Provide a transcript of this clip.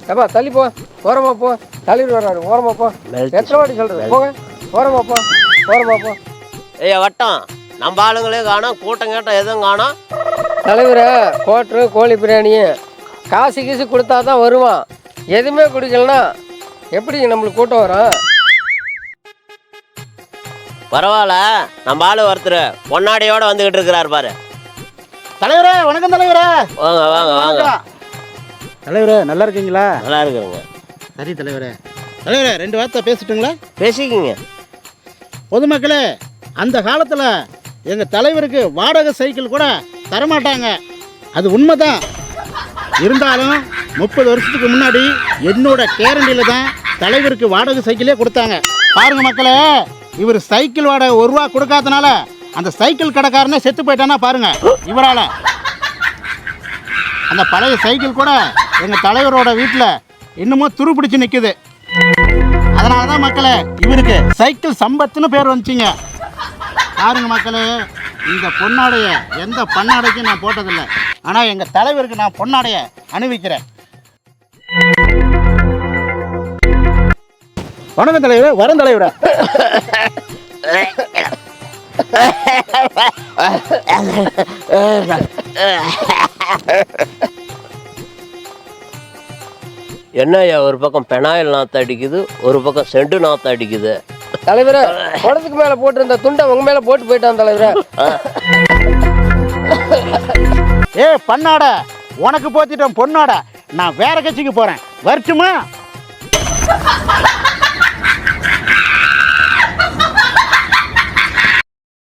ஏப்பா தள்ளி போ, ஓரமா போ. தலைவர் வர்றாரு, ஓரமா போ. எத்தனை வாட்டி சொல்றது? போங்க, ஓரமா போ, ஓரமா போ. ஐயா வட்டம், நம்ம ஆளுங்களே காணோம், கூட்டம் கேட்டம் எதுவும் காணோம். தலைவரை கோட்ரு கோழி பிரியாணி காசு கீசு கொடுத்தா தான் வருவான். எதுவுமே குடிக்கலனா எப்படி நம்மளுக்கு கூட்டம் வரும்? பரவாயில்ல, நம்ம ஆளு ஒருத்தர் பொன்னாடியோட வந்துகிட்டு இருக்கிறாரு பாரு. தலைவரே வணக்கம் தலைவரே. வாங்க வாங்க வாங்க. தலைவரே நல்லா இருக்கீங்களா? நல்லா இருக்குங்க. சரி தலைவரே. தலைவரே 2 வார்த்தை பேசிட்டுங்களா? பேசிக்கிங்க. பொதுமக்களே, அந்த காலத்தில் எங்கள் தலைவருக்கு வாடகை சைக்கிள் கூட தரமாட்டாங்க, அது உண்மைதான். இருந்தாலும் 30 வருஷத்துக்கு முன்னாடி என்னோட கேரண்டியில் தான் தலைவருக்கு வாடகை சைக்கிளே கொடுத்தாங்க. பாருங்க மக்களே, இவர் சைக்கிள் வாடகை 1 ரூபா கொடுக்காதனால அந்த சைக்கிள் கடைக்காரனே செத்து போயிட்டானா பாருங்க இவரால். அந்த பழைய சைக்கிள் கூட எங்கள் தலைவரோட வீட்டில் இன்னமும் துரு பிடிச்சி நிற்குது. அதனால தான் மக்களே இவருக்கு சைக்கிள் சம்பத்துன்னு பேர் வந்துச்சிங்க. பாருங்க மக்களே, இந்த பொன்னாடைய எந்த பண்ணாடைக்கும் நான் போட்டதில்லை, ஆனால் எங்கள் தலைவருக்கு நான் பொன்னாடைய அணிவிக்கிறேன். வணக்கம் தலைவர். வரும் தலைவரை. என்னய்யா, ஒரு பக்கம் பெனாயில் நாற்று அடிக்குது, ஒரு பக்கம் செண்டு நாற்று அடிக்குது. தலைவரை குடத்துக்கு மேலே போட்டிருந்த துண்டை உங்க மேலே போட்டு போயிட்டான் தலைவரை. ஏ பண்ணாட, உனக்கு போத்திட்டேன் பொண்ணாட. நான் வேற கட்சிக்கு போகிறேன், வரட்டுமா?